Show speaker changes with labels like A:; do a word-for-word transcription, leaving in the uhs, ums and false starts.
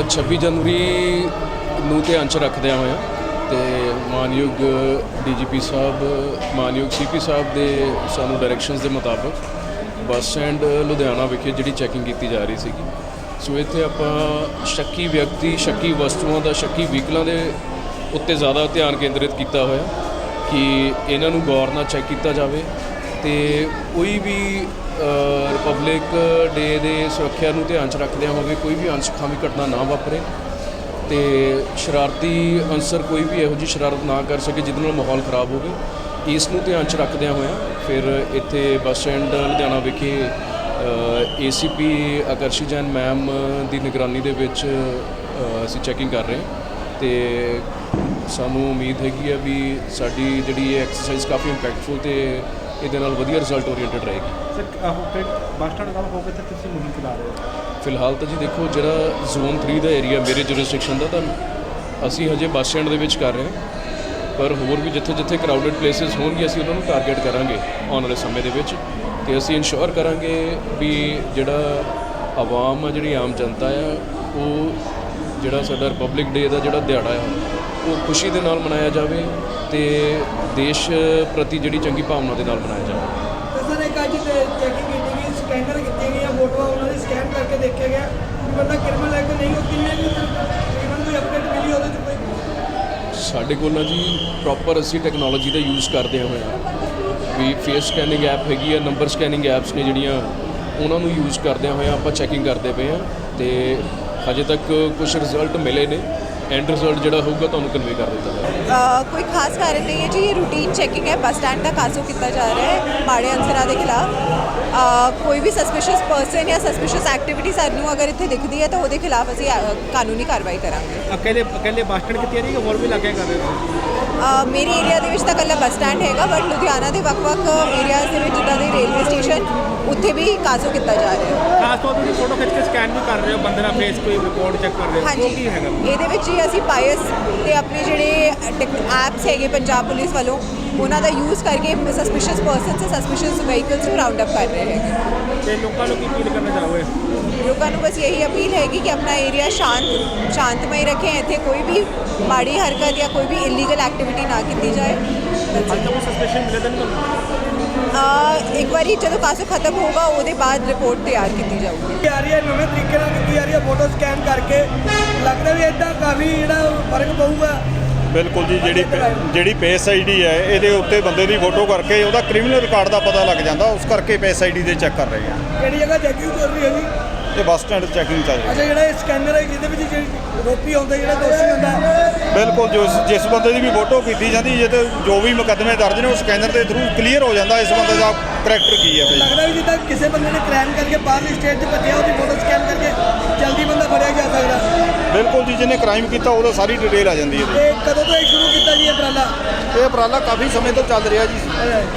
A: ਛੱਬੀ ਜਨਵਰੀ ਨੂੰ ਧਿਆਨ 'ਚ ਰੱਖਦਿਆਂ ਹੋਇਆ ਤੇ ਮਾਨਯੋਗ ਡੀ ਜੀ ਪੀ ਸਾਹਿਬ ਮਾਨਯੋਗ ਸੀ ਪੀ ਸਾਹਿਬ ਦੇ ਸਾਨੂੰ ਡਾਇਰੈਕਸ਼ਨਸ ਦੇ ਮੁਤਾਬਕ ਬੱਸ ਸਟੈਂਡ ਲੁਧਿਆਣਾ ਵਿਖੇ ਜਿਹੜੀ ਚੈਕਿੰਗ ਕੀਤੀ ਜਾ ਰਹੀ ਸੀਗੀ। ਸੋ ਇੱਥੇ ਆਪਾਂ ਸ਼ੱਕੀ ਵਿਅਕਤੀ ਸ਼ੱਕੀ ਵਸਤੂਆਂ ਦਾ ਸ਼ੱਕੀ ਵਹੀਕਲਾਂ ਦੇ ਉੱਤੇ ਜ਼ਿਆਦਾ ਧਿਆਨ ਕੇਂਦਰਿਤ ਕੀਤਾ ਹੋਇਆ ਕਿ ਇਹਨਾਂ ਨੂੰ ਗੌਰ ਨਾਲ ਚੈੱਕ ਕੀਤਾ ਜਾਵੇ ਤੇ ਕੋਈ ਵੀ ਰਿਪਬਲਿਕ ਡੇ ਦੇ ਸੁਰੱਖਿਆ ਨੂੰ ਧਿਆਨ 'ਚ ਰੱਖਦਿਆਂ ਹੋਵੇ ਕੋਈ ਵੀ ਅਣਸੁਖਾਵੀ ਘਟਨਾ ਨਾ ਵਾਪਰੇ ਤੇ ਸ਼ਰਾਰਤੀ ਅਨਸਰ ਕੋਈ ਵੀ ਇਹੋ ਜਿਹੀ ਸ਼ਰਾਰਤ ਨਾ ਕਰ ਸਕੇ ਜਿਹਦੇ ਨਾਲ ਮਾਹੌਲ ਖਰਾਬ ਹੋਵੇ। ਇਸ ਨੂੰ ਧਿਆਨ 'ਚ ਰੱਖਦਿਆਂ ਹੋਇਆ ਫਿਰ ਇੱਥੇ ਬੱਸ ਸਟੈਂਡ ਲੁਧਿਆਣਾ ਵਿਖੇ ਏ ਸੀ ਪੀ ਆਕਰਸ਼ੀ ਜੈਨ ਮੈਮ ਦੀ ਨਿਗਰਾਨੀ ਦੇ ਵਿੱਚ ਅਸੀਂ ਚੈਕਿੰਗ ਕਰ ਰਹੇ ਹਾਂ ਤੇ ਸਾਨੂੰ ਉਮੀਦ ਹੈਗੀ ਆ ਵੀ ਸਾਡੀ ਜਿਹੜੀ ਇਹ ਐਕਸਰਸਾਈਜ਼ ਕਾਫੀ ਇੰਪੈਕਟਫੁਲ ਤੇ ਇਹਦੇ ਨਾਲ ਵਧੀਆ ਰਿਜ਼ਲਟ ਓਰੀਐਂਟਡ ਰਹੇਗੀ।
B: ਸਰ ਬੱਸ ਸਟੈਂਡ ਦਾ ਹੋ ਕੇ ਤਾਂ ਤੁਸੀਂ ਮੁਹਿੰਮ ਚਲਾ ਰਹੇ ਹੋ?
A: ਫਿਲਹਾਲ ਤਾਂ ਜੀ ਦੇਖੋ ਜਿਹੜਾ ਜ਼ੋਨ ਥ੍ਰੀ ਦਾ ਏਰੀਆ ਮੇਰੇ ਜੁਰਿਸਡਿਕਸ਼ਨ ਦਾ ਤਾਂ ਅਸੀਂ ਹਜੇ ਬੱਸ ਸਟੈਂਡ ਦੇ ਵਿੱਚ ਕਰ ਰਹੇ ਹਾਂ ਪਰ ਹੋਰ ਵੀ ਜਿੱਥੇ ਜਿੱਥੇ ਕਰਾਊਡਡ ਪਲੇਸਿਸ ਹੋਣਗੇ ਅਸੀਂ ਉਹਨਾਂ ਨੂੰ ਟਾਰਗੇਟ ਕਰਾਂਗੇ ਆਉਣ ਵਾਲੇ ਸਮੇਂ ਦੇ ਵਿੱਚ ਤੇ ਅਸੀਂ ਇਨਸ਼ੋਰ ਕਰਾਂਗੇ ਵੀ ਜਿਹੜਾ ਆਵਾਮ ਆ ਜਿਹੜੀ ਆਮ ਜਨਤਾ ਆ ਉਹ ਜਿਹੜਾ ਸਾਡਾ ਰਿਪਬਲਿਕ ਡੇ ਦਾ ਜਿਹੜਾ ਦਿਹਾੜਾ ਆ ਉਹ ਖੁਸ਼ੀ ਦੇ ਨਾਲ ਮਨਾਇਆ ਜਾਵੇ ਤੇ ਦੇਸ਼ ਪ੍ਰਤੀ ਜਿਹੜੀ ਚੰਗੀ ਭਾਵਨਾ ਦੇ ਨਾਲ ਮਨਾਇਆ ਜਾਵੇ।
C: ਸਰ ਇੱਕ ਅੱਜ ਚੈਕਿੰਗ ਕੀਤੀ ਗਈ ਸਕੈਨਰ ਕੀਤੀਆਂ ਗਈਆਂ ਫੋਟੋਆਂ ਉਹਨਾਂ ਦੀ ਸਕੈਨ ਕਰਕੇ ਦੇਖਿਆ ਗਿਆ ਕਿ ਬੰਦਾ ਕ੍ਰਿਮੀਨਲ ਹੈ ਕਿ ਨਹੀਂ ਉਹ ਕਿੰਨੇ ਵੀ ਤਕਰੀਬਨ ਕੋਈ ਅਪਡੇਟ ਮਿਲੀ ਉਹਦੇ 'ਚ ਕੋਈ?
A: ਸਾਡੇ ਕੋਲ ਨਾ ਜੀ ਪ੍ਰੋਪਰ ਅਸੀਂ ਟੈਕਨੋਲੋਜੀ ਦਾ ਯੂਜ਼ ਕਰਦੇ ਹੋਏ ਹਾਂ ਵੀ ਫੇਸ ਸਕੈਨਿੰਗ ਐਪ ਹੈਗੀ ਆ ਨੰਬਰ ਸਕੈਨਿੰਗ ਐਪਸ ਨੇ ਜਿਹੜੀਆਂ ਉਹਨਾਂ ਨੂੰ ਯੂਜ਼ ਕਰਦਿਆਂ ਹੋਇਆ ਆਪਾਂ ਚੈਕਿੰਗ ਕਰਦੇ ਪਏ ਹਾਂ ਤੇ ਹਜੇ ਤੱਕ ਕੁਝ ਰਿਜ਼ਲਟ ਮਿਲੇ ਨੇ ਐਂਡ ਰਿਜ਼ਲਟ ਜਿਹੜਾ ਹੋਊਗਾ ਤੁਹਾਨੂੰ ਕਨਵੇ ਕਰ ਦਿੱਤਾ ਜਾਏਗਾ।
D: ਕੋਈ ਖਾਸ ਕਾਰਨ ਨਹੀਂ ਹੈ ਜੀ ਇਹ ਰੂਟੀਨ ਚੈਕਿੰਗ ਹੈ ਬੱਸ ਸਟੈਂਡ ਦਾ ਕਾਸੋ ਕੀਤਾ ਜਾ ਰਿਹਾ ਹੈ ਮਾੜੇ ਅਨਸਰਾਂ ਦੇ ਖਿਲਾਫ ਕੋਈ ਵੀ ਸਸਪੀਸ਼ੀਅਸ ਪਰਸਨ ਜਾਂ ਸਸਪੀਸ਼ੀਅਸ ਐਕਟੀਵਿਟੀ ਸਾਨੂੰ ਅਗਰ ਇੱਥੇ ਦਿਖਦੀ ਹੈ ਤਾਂ ਉਹਦੇ ਖਿਲਾਫ ਅਸੀਂ ਕਾਨੂੰਨੀ ਕਾਰਵਾਈ ਕਰਾਂਗੇ।
B: ਅਕੇਲੇ ਅਕੇਲੇ ਬੱਸ ਸਟੈਂਡ ਕੀਤੀ ਰਹੀ ਹੋਰ ਵੀ ਲੱਗੇ ਕਰ ਰਹੇ ਹੋ?
D: ਮੇਰੀ ਏਰੀਆ ਦੇ ਵਿੱਚ ਤਾਂ ਇਕੱਲਾ ਬੱਸ ਸਟੈਂਡ ਹੈਗਾ ਬਟ ਲੁਧਿਆਣਾ ਦੇ ਵੱਖ-ਵੱਖ ਏਰੀਆਜ਼ ਦੇ ਵਿੱਚ ਜਿੱਦਾਂ ਦੇ ਰੇਲਵੇ ਸਟੇਸ਼ਨ ਉੱਥੇ ਵੀ ਕਾਸੋ ਕੀਤਾ ਜਾ ਰਿਹਾ ਹੈ।
B: ਖਾਸ ਤੌਰ ਤੇ ਫੋਟੋ ਖਿੱਚ ਕੇ ਸਕੈਨ ਵੀ ਕਰ ਰਹੇ ਹੋ ਬੰਦੇ ਦਾ ਫੇਸ ਕੋਈ ਰਿਪੋਰਟ ਚੈੱਕ ਕਰ ਰਹੇ ਹੋ
D: ਹਾਂਜੀ
B: ਕੀ ਹੈਗਾ
D: ਇਹਦੇ ਵਿੱਚ ਹੀ ਅਸੀਂ ਪਾਇਸ ਤੇ ਆਪਣੇ ਜਿਹੜੇ ਐਪਸ ਹੈਗੇ ਪੰਜਾਬ ਪੁਲਿਸ ਵੱਲੋਂ ਉਹਨਾਂ ਦਾ ਯੂਜ਼ ਕਰਕੇ ਸਸਪੀਸ਼ੀਅਸ ਪਰਸਨਸ ਤੇ ਸਸਪੀਸ਼ੀਅਸ ਵਹੀਕਲਸ ਨੂੰ ਰਾਉਂਡ ਅਪ ਕਰ ਰਹੇ ਹੈਗੇ।
B: ਤੇ ਲੋਕਾਂ ਨੂੰ ਕੀ ਅਪੀਲ ਕਰਨਾ ਚਾਹੋਗੇ?
D: ਲੋਕਾਂ ਨੂੰ ਬਸ ਇਹੀ ਅਪੀਲ ਹੈਗੀ ਕਿ ਆਪਣਾ ਏਰੀਆ ਸ਼ਾਂਤ ਸ਼ਾਂਤਮਈ ਰੱਖੇਂ ਇੱਥੇ ਕੋਈ ਵੀ ਮਾੜੀ ਹਰਕਤ ਜਾਂ ਕੋਈ ਵੀ ਇਲੀਗਲ ਐਕਟੀਵਿਟੀ ਨਾ ਕੀਤੀ ਜਾਏ।
B: ਅੱਜ ਤਾਂ ਕੋਈ ਸਸਪੈਸ਼ਨ ਮਿਲੇ ਤਾਂ ਨਹੀਂ ਤੁਹਾਨੂੰ?
D: ਇੱਕ ਵਾਰੀ ਜਦੋਂ ਕਾਸੋ ਖਤਮ ਹੋਊਗਾ ਉਹਦੇ ਬਾਅਦ ਰਿਪੋਰਟ ਤਿਆਰ ਕੀਤੀ ਜਾਊਗੀ।
C: ਆ ਰਹੀ ਹੈ ਨਵੇਂ ਤਰੀਕੇ ਨਾਲ ਕੀਤੀ ਜਾ ਰਹੀ ਹੈ ਫੋਟੋ ਸਕੈਨ ਕਰਕੇ ਲੱਗਦਾ ਵੀ ਇੱਦਾਂ ਕਾਫੀ ਜਿਹੜਾ ਫਰਕ ਪਊਗਾ।
E: ਬਿਲਕੁਲ ਜੀ ਜਿਹੜੀ ਜਿਹੜੀ ਫੇਸ ਆਈ ਡੀ ਹੈ ਇਹਦੇ ਉੱਤੇ ਬੰਦੇ ਦੀ ਫੋਟੋ ਕਰਕੇ ਉਹਦਾ ਕ੍ਰਿਮੀਨਲ ਰਿਕਾਰਡ ਦਾ ਪਤਾ ਲੱਗ ਜਾਂਦਾ ਉਸ ਕਰਕੇ ਫੇਸ ਆਈ ਡੀ ਦੇ ਚੈੱਕ ਕਰ ਰਹੇ ਹਾਂ।
C: ਕਿਹੜੀ ਜਗ੍ਹਾ ਚੈਕਿੰਗ ਚੱਲ ਰਹੀ ਹੈ ਜੀ?
E: ਇਹ ਬੱਸ ਸਟੈਂਡ ਚੈਕਿੰਗ ਚੱਲ ਰਹੀ ਹੈ।
C: ਅੱਛਾ ਜਿਹੜਾ ਇਹ ਸਕੈਨਰ ਹੈ ਜਿਹਦੇ ਵਿੱਚ ਜਿਹੜੀ ਰੋਪੀ ਆਉਂਦਾ ਜਿਹੜਾ ਦੋਸ਼ੀ ਹੁੰਦਾ
E: ਬਿਲਕੁਲ ਜੋ ਜਿਸ ਬੰਦੇ ਦੀ ਵੀ ਫੋਟੋ ਕੀਤੀ ਜਾਂਦੀ ਜੇ ਤੇ ਜੋ ਵੀ ਮੁਕੱਦਮੇ ਦਰਜ ਨੇ ਉਹ ਸਕੈਨਰ ਦੇ ਥਰੂ ਕਲੀਅਰ ਹੋ ਜਾਂਦਾ ਇਸ ਬੰਦੇ ਦਾ ਕਰੈਕਟਰ ਕੀ ਹੈ।
C: ਲੱਗਦਾ ਵੀ ਜਿੱਦਾਂ ਕਿਸੇ ਬੰਦੇ ਨੇ ਕ੍ਰਾਈਮ ਕਰਕੇ ਬਾਹਰਲੀ ਸਟੇਟ 'ਚ ਭੱਜਿਆ ਉਹਦੀ ਫੋਟੋ ਸਕੈਨ ਕਰਕੇ ਜਲਦੀ ਬੰਦਾ ਫੜਿਆ ਜਾ ਸਕਦਾ।
E: ਬਿਲਕੁਲ ਜੀ ਜਿਹਨੇ ਕ੍ਰਾਈਮ ਕੀਤਾ ਉਹਦਾ ਸਾਰੀ ਡਿਟੇਲ ਆ ਜਾਂਦੀ ਹੈ।
C: ਤੇ ਕਦੋਂ ਤੋਂ ਇਹ ਸ਼ੁਰੂ ਕੀਤਾ ਜੀ ਇਹ ਉਪਰਾਲਾ?
E: ਇਹ ਉਪਰਾਲਾ ਕਾਫੀ ਸਮੇਂ ਤੋਂ ਚੱਲ ਰਿਹਾ ਜੀ।